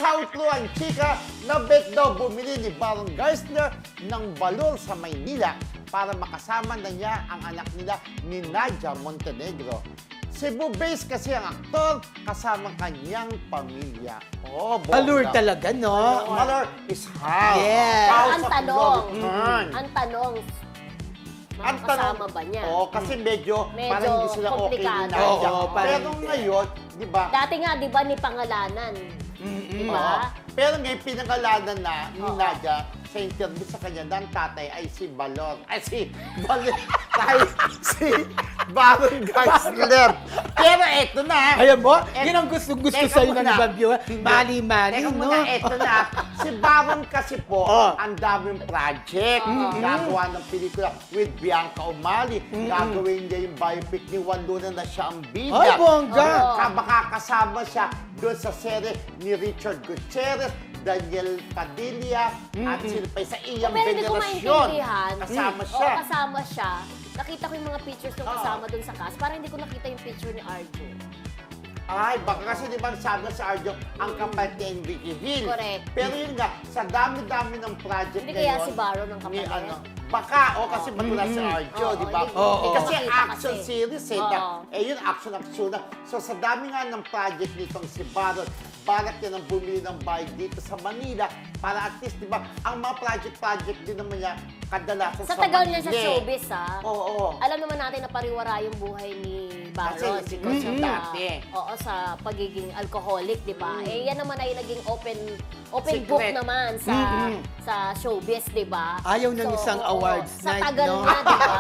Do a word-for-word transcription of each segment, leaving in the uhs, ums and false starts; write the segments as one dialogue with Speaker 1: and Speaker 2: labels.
Speaker 1: Nasawi ang chika na bet daw bumili ni Baron Geisler ng balon sa Maynila para makasama na niya ang anak nila ni Nadia Montenegro. Cebu-based kasi ang aktor kasama kanyang pamilya. Oh, bongga.
Speaker 2: Allure talaga, no?
Speaker 1: Malor is how.
Speaker 2: Yes.
Speaker 1: How
Speaker 3: Ang
Speaker 1: sa
Speaker 3: tanong,
Speaker 1: return.
Speaker 3: ang tanong,
Speaker 1: Ang
Speaker 3: makakasama ba niya?
Speaker 1: Oo, kasi medyo,
Speaker 3: Medyo
Speaker 1: parang hindi sila okay ni
Speaker 3: komplikado.
Speaker 1: Nadia.
Speaker 2: Oo, parang
Speaker 1: Pero
Speaker 2: hindi.
Speaker 1: ngayon, di ba?
Speaker 3: Dati nga, di ba, ni pangalanan? Di
Speaker 1: Oo.
Speaker 3: ba?
Speaker 1: Pero ngayon, pinangalanan na ni
Speaker 3: Oo.
Speaker 1: Nadia sa interview sa kanya ng tatay ay si Balon. Ay, si Balon. Ay, si Baron Geisler. Pero eto na.
Speaker 2: Ayan mo,
Speaker 1: Et-
Speaker 2: yun ang gusto-gusto
Speaker 1: Teka
Speaker 2: sa'yo ng
Speaker 1: muna.
Speaker 2: ibang viewer.
Speaker 1: Hindi.
Speaker 2: Mali-mali,
Speaker 1: Teka
Speaker 2: no?
Speaker 1: muna, eto na. Si Baron kasi po,
Speaker 2: Oh.
Speaker 1: ang daming project. Gagawa ng pelikula with Bianca Umali. Gagawin niya yung biopic ni Juan Luna na siya ang bida.
Speaker 2: Ay, bongga.
Speaker 3: Oo.
Speaker 1: Ka- Makakasama siya doon sa serye ni Richard Gutierrez, Daniel Padilla, at sila pa sa iyang
Speaker 3: Pero hindi ko
Speaker 1: venerasyon.
Speaker 3: maintindihan.
Speaker 1: Kasama
Speaker 3: Oo,
Speaker 1: siya.
Speaker 3: kasama siya. Nakita ko yung mga pictures ng
Speaker 1: Oo.
Speaker 3: kasama dun sa cast. Parang hindi ko nakita yung picture ni Arjo.
Speaker 1: Ay, baka kasi di ba sabi sa Arjo, ang kapalit ni Enrique Hill.
Speaker 3: Correct.
Speaker 1: Pero yun nga, sa dami-dami ng project
Speaker 3: Hindi kaya
Speaker 1: ngayon,
Speaker 3: si Baron ang
Speaker 1: ni
Speaker 3: kapalit?
Speaker 1: ano, baka, o kasi matula si Arjo,
Speaker 3: Oo,
Speaker 1: di ba?
Speaker 3: hindi-
Speaker 2: Oo.
Speaker 1: Eh, kasi
Speaker 3: Makita
Speaker 1: action
Speaker 3: kasi.
Speaker 1: series eh.
Speaker 3: Oo.
Speaker 1: na- Eh yun, action-action na. So sa dami nga ng project nitong si Baron, balat yan ang bumili ng bahay dito sa Manila para at least, di ba, ang mga project-project din naman niya kadalasan
Speaker 3: Sa
Speaker 1: sa,
Speaker 3: tagal niya sa
Speaker 1: Manila.
Speaker 3: showbiz, ha?
Speaker 1: Oo.
Speaker 3: Alam naman natin na pariwara yung buhay ni Baron.
Speaker 1: Kasi si
Speaker 3: because
Speaker 1: Kasi
Speaker 3: of the-
Speaker 1: dati.
Speaker 3: Oo, sa pagiging alcoholic, di ba? Eh, yan naman ay naging open open
Speaker 1: Secret.
Speaker 3: book naman sa
Speaker 1: Mm-mm.
Speaker 3: sa showbiz, di ba?
Speaker 2: Ayaw ng isang
Speaker 3: oo,
Speaker 2: awards
Speaker 3: Sa
Speaker 2: night,
Speaker 3: tagal
Speaker 2: no?
Speaker 3: na, di ba?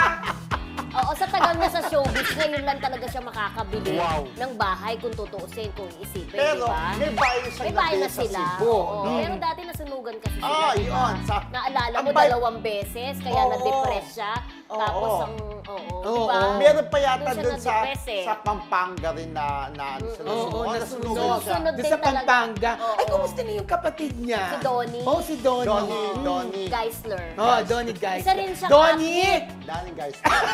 Speaker 3: Oo, sa tagal na sa showbiz, ngayon lang talaga siya makakabili
Speaker 1: Wow.
Speaker 3: ng bahay kung tutuusin, kung isipin,
Speaker 1: Pero
Speaker 3: di ba?
Speaker 1: may bahay siya
Speaker 3: May bahay na
Speaker 1: sa
Speaker 3: sila.
Speaker 1: Cebu.
Speaker 3: Oo.
Speaker 1: no?
Speaker 3: Pero dati nasunugan kasi sila.
Speaker 1: Ah,
Speaker 3: di ba?
Speaker 1: yun. Sa-
Speaker 3: Naalala
Speaker 1: ang
Speaker 3: mo
Speaker 1: bay-
Speaker 3: dalawang beses, kaya
Speaker 1: Oo.
Speaker 3: na-depress siya.
Speaker 1: Oo.
Speaker 3: Tapos ang, oo,
Speaker 2: Oo.
Speaker 3: di ba?
Speaker 1: Meron pa yata
Speaker 3: Doon siya
Speaker 1: doon sa
Speaker 3: na-depress eh.
Speaker 1: sa Pampanga rin na na ano sila.
Speaker 2: Oo,
Speaker 1: Oo,
Speaker 2: nasunog.
Speaker 1: nasunugan siya.
Speaker 3: Sunod
Speaker 2: Doon
Speaker 3: din
Speaker 2: sa
Speaker 3: talaga.
Speaker 2: Pampanga.
Speaker 3: Oo.
Speaker 2: Ay, kumusta na yung kapatid niya?
Speaker 3: Si Donnie.
Speaker 2: Oh, si Donnie.
Speaker 1: Donnie,
Speaker 2: Mm.
Speaker 1: Donnie.
Speaker 3: Geisler.
Speaker 2: Oh, Donnie, guys.
Speaker 3: Isa rin siyang
Speaker 2: Donnie!
Speaker 1: Dahil guys.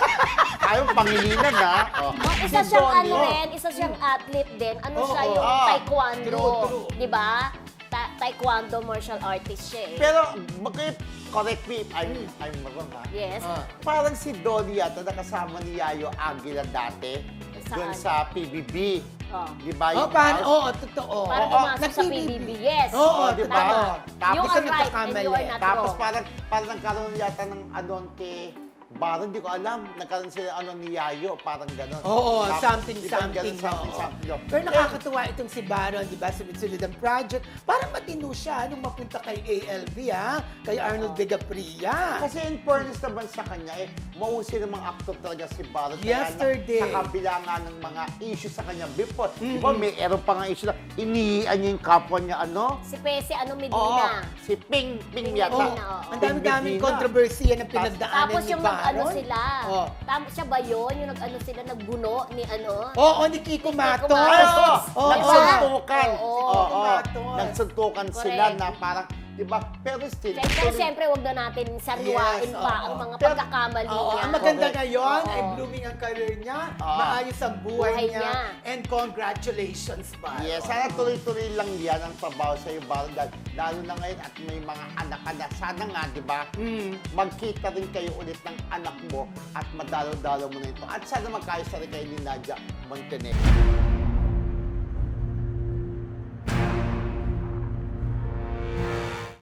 Speaker 1: Ayaw pangilinan ha. Oh.
Speaker 3: Oh, isa
Speaker 1: Si
Speaker 3: siyang
Speaker 1: Donnie.
Speaker 3: ano rin, isa siyang athlete din. Ano
Speaker 2: Oo.
Speaker 3: siya yung
Speaker 1: Ah,
Speaker 3: taekwondo.
Speaker 2: true, true.
Speaker 3: Di ba? Ta- taekwondo martial artist siya eh.
Speaker 1: Pero mag- correct me if I'm, I'm wrong ha.
Speaker 3: Yes.
Speaker 2: Ah.
Speaker 1: Parang si Donnie yata nakasama ni Yayo Aguila dati doon
Speaker 3: Saan?
Speaker 1: sa P B B.
Speaker 3: Oh.
Speaker 1: Di ba
Speaker 2: Oh,
Speaker 1: yung
Speaker 2: paano?
Speaker 1: house?
Speaker 2: Oo, totoo.
Speaker 3: Parang
Speaker 1: Oo,
Speaker 3: pumasok sa P B B. Yes.
Speaker 2: Oo,
Speaker 1: di ba?
Speaker 3: Tama.
Speaker 1: Tapos
Speaker 3: You
Speaker 2: ka
Speaker 3: are right and
Speaker 2: nagkakamali.
Speaker 3: you are not
Speaker 1: Tapos
Speaker 3: wrong.
Speaker 1: parang, parang nagkaroon yata ng anon kay Baron, di ko alam. Nagkaroon sila ano ni Yayo, parang gano'n.
Speaker 2: Oo,
Speaker 1: Tapos,
Speaker 2: something,
Speaker 1: di ba,
Speaker 2: something.
Speaker 1: ganun, something,
Speaker 2: oo.
Speaker 1: something. yun.
Speaker 2: Pero nakakatuwa itong si Baron, di ba? Sunod-sunod ang project. Parang matino siya nung mapunta kay A L B, ha? Kay Arnold Vegapria.
Speaker 1: Kasi in fairness naman sa kanya, eh, mausay ng mga actor talaga si Baron. Kaya
Speaker 2: Yesterday.
Speaker 1: Na, sa kabila nga ng mga issues sa kanya before. Di ba, may erong pa nga issue na inihian niya yung kapwa niya, ano?
Speaker 3: Si Pese, ano,
Speaker 1: Oo,
Speaker 3: Medina.
Speaker 1: si Ping, Ping
Speaker 3: Ping
Speaker 1: yata.
Speaker 3: Medina, oo.
Speaker 2: Ang
Speaker 1: Ping
Speaker 2: dami-daming
Speaker 1: Medina.
Speaker 2: kontrobersiya na pinagdaanan
Speaker 3: Tapos
Speaker 2: ni
Speaker 3: yung
Speaker 2: Baron.
Speaker 3: nag-ano sila.
Speaker 2: Oh.
Speaker 3: Tapos siya ba yun? Yung nag-ano sila, nagbuno ni ano?
Speaker 2: Oo, ni Kiko Matos.
Speaker 3: Matos.
Speaker 1: Ay, oo.
Speaker 2: Oo.
Speaker 1: Nagsuntukan.
Speaker 3: Oo.
Speaker 1: Oo.
Speaker 2: Matos.
Speaker 1: Nagsuntukan
Speaker 3: Correct.
Speaker 1: sila na parang, di ba? Pero still,
Speaker 3: Pero
Speaker 1: tuloy-
Speaker 3: siyempre, wag na natin sariwain
Speaker 2: Yes,
Speaker 3: pa
Speaker 2: oo.
Speaker 3: ang mga
Speaker 1: Pero-
Speaker 3: pagkakamali
Speaker 2: Oo,
Speaker 3: niya.
Speaker 2: ang maganda
Speaker 1: Correct.
Speaker 2: ngayon
Speaker 3: Oo.
Speaker 2: ay blooming ang career niya,
Speaker 1: Oo.
Speaker 2: maayos ang buhay,
Speaker 3: Buhay
Speaker 2: niya,
Speaker 3: niya.
Speaker 2: and congratulations, Baron.
Speaker 1: Yes, sana tuloy-tuloy lang yan ang trabaho sa iyo, Baron. Dahil lalo na ngayon at may mga anak-anak. Sana nga, di ba?
Speaker 2: Mm.
Speaker 1: Magkita rin kayo ulit ng anak mo at madalo-dalo mo na ito. At sana magkaayos na rin kayo ni Nadia Montenegro.